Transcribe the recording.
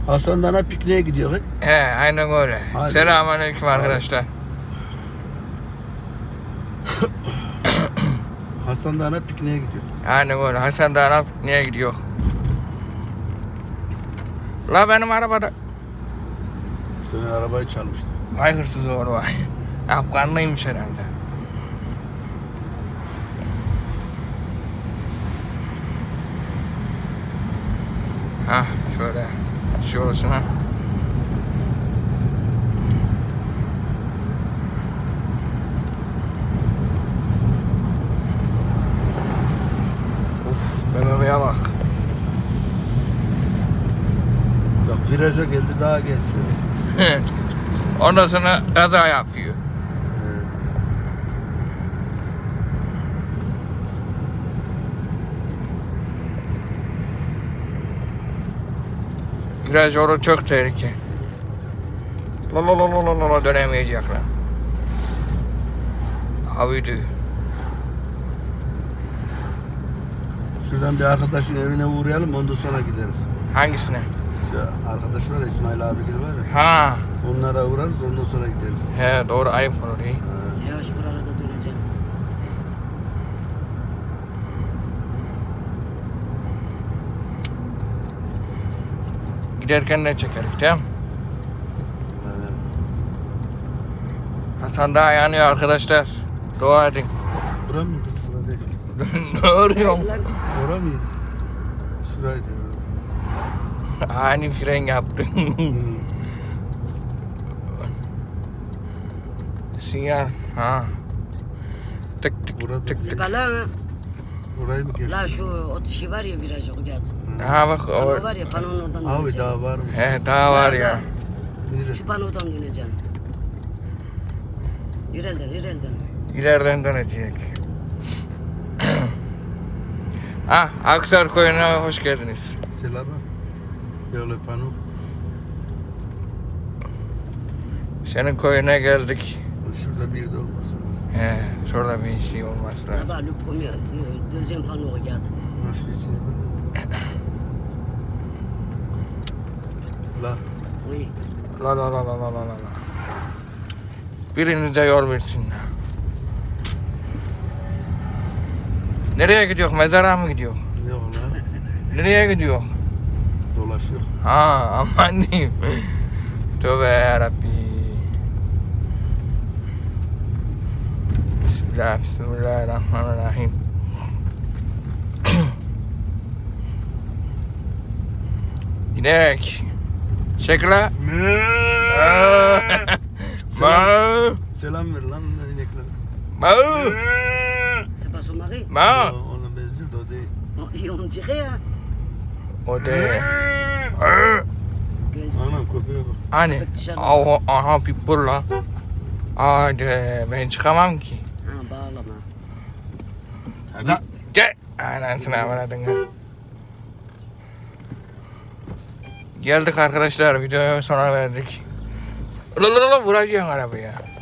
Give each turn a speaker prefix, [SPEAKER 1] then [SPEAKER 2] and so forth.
[SPEAKER 1] Hasan Dağı'na pikniğe gidiyor.
[SPEAKER 2] He, aynen öyle.
[SPEAKER 1] Hadi.
[SPEAKER 2] Selamünaleyküm arkadaşlar.
[SPEAKER 1] Hasan Dağı'na pikniğe gidiyor.
[SPEAKER 2] Aynen öyle. Hasan Dağı'na pikniğe gidiyor. La benim arabada.
[SPEAKER 1] Senin arabayı çalmıştı.
[SPEAKER 2] Vay hırsız oğlu vay. Afganlıymış herhalde. Hah şöyle şey olsun ha. Uf BMW'ye bak.
[SPEAKER 1] Bak viraja geldi daha geçsin.
[SPEAKER 2] Ondan sonra kaza yapıyor. Viraj orada çok tehlike. La dönemeyecekler. Abi
[SPEAKER 1] Şuradan bir arkadaşın evine uğrayalım ondan sonra gideriz.
[SPEAKER 2] hangisine?
[SPEAKER 1] İşte arkadaş var İsmail abi gibi var ya.
[SPEAKER 2] Ha,
[SPEAKER 1] Onlara uğrarız ondan sonra gideriz.
[SPEAKER 2] he doğru ayıp olur iyi.
[SPEAKER 3] Yavaş buralarda döneceğim.
[SPEAKER 2] Giderken ne çekerik değil mi?
[SPEAKER 1] Aynen.
[SPEAKER 2] Hasan daha yanıyor arkadaşlar. Dua edin.
[SPEAKER 1] Bura mıydı? Bura değil.
[SPEAKER 2] Ne arıyorsun?
[SPEAKER 1] Ora mıydı? Şuraydı.
[SPEAKER 2] Ani fren yaptın.
[SPEAKER 1] Hmm.
[SPEAKER 2] Sinyal. Ha. Tık tık
[SPEAKER 1] Burada.
[SPEAKER 2] tık tık.
[SPEAKER 3] Zibala mı?
[SPEAKER 1] Orayı mı kestin?
[SPEAKER 3] La şu o dişi var ya virajı o geldi.
[SPEAKER 2] Ha bak
[SPEAKER 3] Pano
[SPEAKER 2] o.
[SPEAKER 3] var ya panonun oradan
[SPEAKER 1] Abi
[SPEAKER 3] döneceğim.
[SPEAKER 1] daha var mı?
[SPEAKER 2] He daha var ya.
[SPEAKER 1] Neresi?
[SPEAKER 3] Şu panodan döneceğim. İrelden.
[SPEAKER 2] İleriden dönecek. Ah, Aksar Koyu'na hoş geldiniz.
[SPEAKER 1] Selam. Böyle pano.
[SPEAKER 2] Senin koyuna geldik.
[SPEAKER 1] Şurada bir de olmasın.
[SPEAKER 2] He, şurada bir şey olmaz lazım.
[SPEAKER 3] Là-bas, le premier, le deuxième panneau, regarde.
[SPEAKER 1] Nasıl ikinci pano? La.
[SPEAKER 3] Oui.
[SPEAKER 2] La. Birinize yol versin. Nereye gidiyor? Mezara mı gidiyor?
[SPEAKER 1] Yok lan.
[SPEAKER 2] Nereye gidiyor?
[SPEAKER 1] Dolaşıyor.
[SPEAKER 2] Ha, aman diyeyim. Tövbe yarabbi. Bismillahirrahmanirrahim. İnek. Çek la. Ma.
[SPEAKER 1] Selam ver lan ineklere.
[SPEAKER 2] Ma.
[SPEAKER 3] C'est pas son mari?
[SPEAKER 2] Ma.
[SPEAKER 1] Ona benziyor da o değil.
[SPEAKER 3] On dirait, hein?
[SPEAKER 2] O de.
[SPEAKER 3] Gel.
[SPEAKER 1] Anam köpeğe bak.
[SPEAKER 2] Hani. Aha pitbull la. Hadi ben çıkamam ki.
[SPEAKER 3] Ha bağlama.
[SPEAKER 1] Hadi.
[SPEAKER 2] Gel. Anasını avradın. Geldik arkadaşlar videoya sona verdik. La vuracaksın arabaya.